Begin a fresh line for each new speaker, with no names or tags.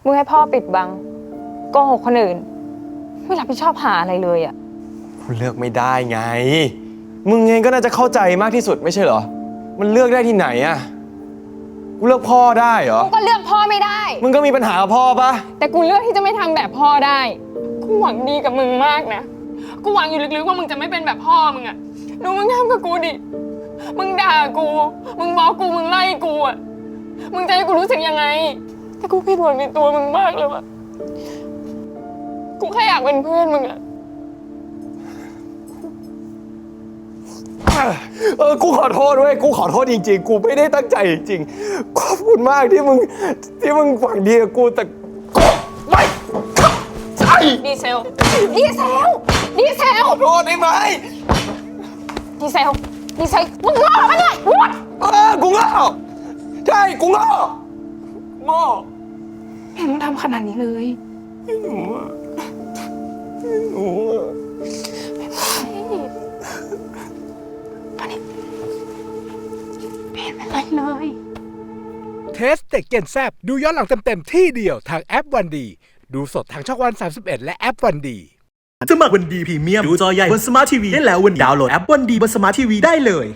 มึงให้พ่อปิดบังโกหกคนอื่นไม่รับผิดชอบหาอะไรเลยอ่ะ
กูเลือกไม่ได้ไงมึงเองก็น่าจะเข้าใจมากที่สุดไม่ใช่เหรอมันเลือกได้ที่ไหนอะกูเลือกพ่อได้เหรอ
กูก็เลือกพ่อไม่ได้
มึงก็มีปัญหากับพ่อปะ
แต่กูเลือกที่จะไม่ทำแบบพ่อได้กูหวังดีกับมึงมากนะกูหวังอยู่ลึกๆว่ามึงจะไม่เป็นแบบพ่อมึงอะดูมึงทำกับกูดิมึงด่ากูมึงบอกกูมึงไล่กูอะมึงจะให้กูรู้สึกยังไงแต่กูผิดหวังในตัวมึงมากเลยว่ะกูแค่อยากเป็นเพื่อนมึงอะ
กูขอโทษด้วยกูขอโทษจริงๆกูไม่ได้ตั้งใจจริงๆขอบคุณมากที่มึงหวังดีกับกูแต่กูไม่ใช่
ดีเซล
ขอโทษได้ไหม
ดีเซลมึงโง่ปะเนี่ยวัด
กูโง่ใช่กูโง่
ไม่ต้องทำขนาดนี้เลย
หนู
เป็นไรเลย
เทสเต็กเกนแซบดูย้อนหลังเต็มๆที่เดียวทางแอปวันดีดูสดทางช่องวัน31และแอปวันดี
สมัครวันดีพรีเมียมดูจอใหญ่บนสมาร์ททีวีได้แล้ววันนี้ดาวน์โหลดแอปวันดีบนสมาร์ททีวีได้เลย